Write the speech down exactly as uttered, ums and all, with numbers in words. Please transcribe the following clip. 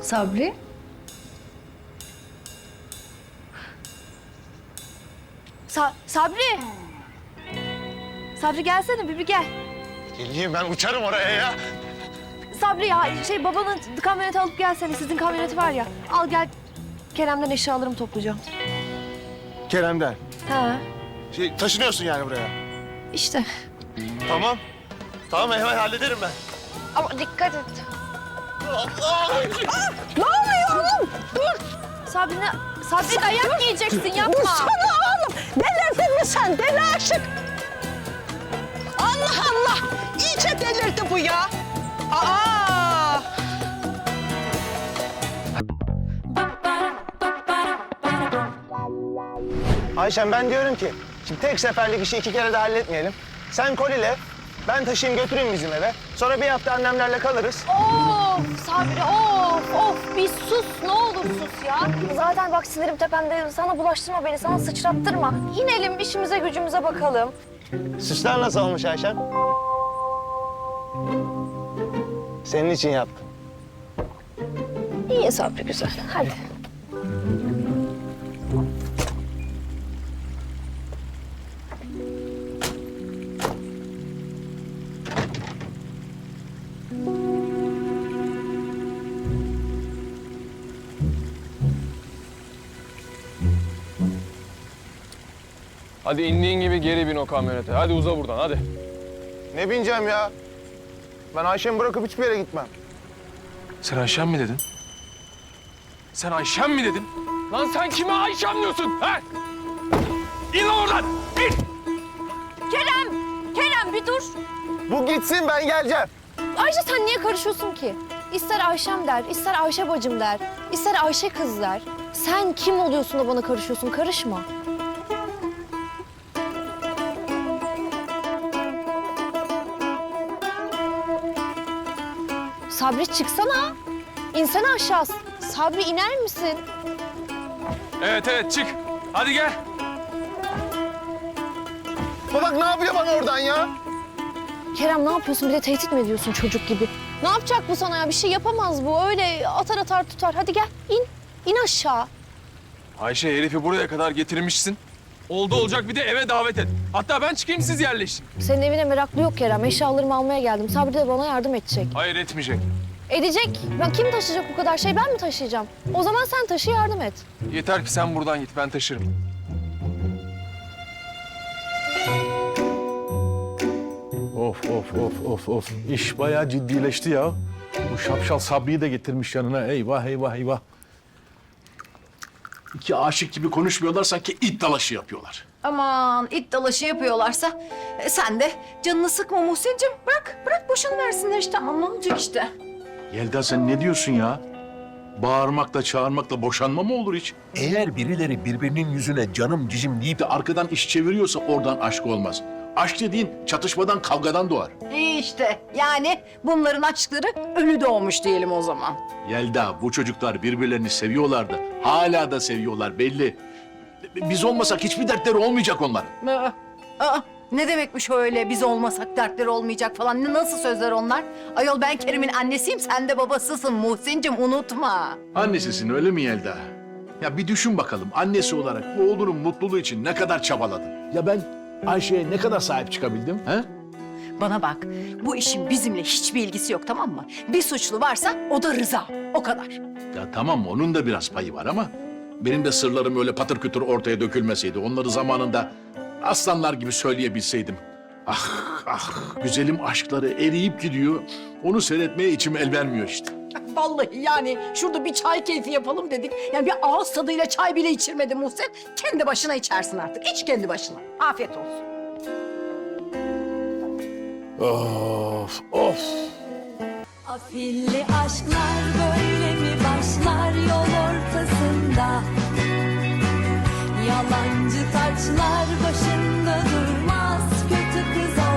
Sabri? Sa Sabri! Sabri gelsene bir, bir gel. Geleyim ben uçarım oraya ya. Sabri ya şey babanın kamyoneti alıp gelsene. Sizin kamyoneti var ya. Al gel. Kerem'den eşyalarımı toplayacağım. Kerem'den. Ha Şey, taşınıyorsun yani buraya. işte. Tamam. Tamam hemen hallederim ben. Ama dikkat et. Ne oluyor oğlum? Dur! Sabri ne? Sabri dayak yiyeceksin yapma. Dursana oğlum! Delirdin mi sen? Deli aşık! Allah Allah! İyice delirdi bu ya! Aa! Ayşem ben diyorum ki, şimdi tek seferlik işi iki kere de halletmeyelim. Sen kolile, ben taşıyayım götüreyim bizim eve. Sonra bir hafta annemlerle kalırız. Of Sabri of of bir sus ne olur sus ya. Zaten bak sinirim tepemde sana bulaştırma beni sana sıçrattırma. İnelim işimize gücümüze bakalım. Süsler nasıl olmuş Ayşem? Senin için yaptım. İyi Sabri güzel hadi. Hadi indiğin gibi geri bin o kamyonete. Hadi uza buradan hadi. Ne bineceğim ya? Ben Ayşem'i bırakıp hiçbir yere gitmem. Sen Ayşem mi dedin? Sen Ayşem mi dedin? Lan sen kime Ayşem diyorsun? Ha? İn lan oradan! İn! Kerem! Kerem bir dur. Bu gitsin ben geleceğim. Ayşe sen niye karışıyorsun ki? İster Ayşem der, ister Ayşe bacım der, ister Ayşe kız der. Sen kim oluyorsun da bana karışıyorsun? Karışma. Sabri çıksana. İnsene aşağı. Sabri iner misin? Evet evet çık. Hadi gel. Bak ne yapıyor bana oradan ya? Kerem ne yapıyorsun? Bir de tehdit mi ediyorsun çocuk gibi? Ne yapacak bu sana ya? Bir şey yapamaz bu. Öyle atar atar tutar. Hadi gel in. İn aşağı. Ayşe herifi buraya kadar getirmişsin. Oldu olacak bir de eve davet et. Hatta ben çıkayım siz yerleşin. Senin evine meraklı yok Kerem. Eşyalarımı almaya geldim. Sabri de bana yardım edecek. Hayır etmeyecek. Edecek. Ben kim taşıyacak bu kadar şey? Ben mi taşıyacağım? O zaman sen taşı yardım et. Yeter ki sen buradan git ben taşırım. Of of of of of. İş bayağı ciddileşti ya. Bu şapşal Sabri'yi de getirmiş yanına. Eyvah eyvah eyvah. İki aşık gibi konuşmuyorlar sanki it dalaşı yapıyorlar. Aman it dalaşı yapıyorlarsa e, sen de canını sıkma Muhsin'cim. Bırak, bırak boşunu versinler işte. Aman ne olacak işte. Yelda sen ne diyorsun ya? Bağırmakla çağırmakla boşanma mı olur hiç? Eğer birileri birbirinin yüzüne canım cicim deyip de arkadan iş çeviriyorsa oradan aşk olmaz. Aşk dediğin çatışmadan kavgadan doğar. İyi işte yani bunların aşkları ölü doğmuş diyelim o zaman. Yelda bu çocuklar birbirlerini seviyorlardı. Hala da seviyorlar belli. Biz olmasak hiçbir dertleri olmayacak onların. Aa, aa, ne demekmiş öyle biz olmasak dertleri olmayacak falan. Ne- Nasıl sözler onlar? Ayol ben Kerim'in annesiyim sen de babasısın Muhsin'cim unutma. Annesisin öyle mi Yelda? Ya bir düşün bakalım annesi olarak bu oğlunun mutluluğu için ne kadar çabaladın? Ya ben Ayşe'ye ne kadar sahip çıkabildim? He? Bana bak bu işin bizimle hiçbir ilgisi yok tamam mı? Bir suçlu varsa o da Rıza o kadar. Ya tamam onun da biraz payı var ama benim de sırlarım öyle patır kütür ortaya dökülmeseydi, onları zamanında aslanlar gibi söyleyebilseydim. Ah ah güzelim aşkları eriyip gidiyor. Onu seyretmeye içim el vermiyor işte. Vallahi yani şurada bir çay keyfi yapalım dedik. Yani bir ağız tadıyla çay bile içirmedi Muhsin. Kendi başına içersin artık. İç kendi başına. Afiyet olsun. Of of. Afilli aşklar böyle mi başlar yol ortasında? Yalancı taçlar başında durmaz, kötü kız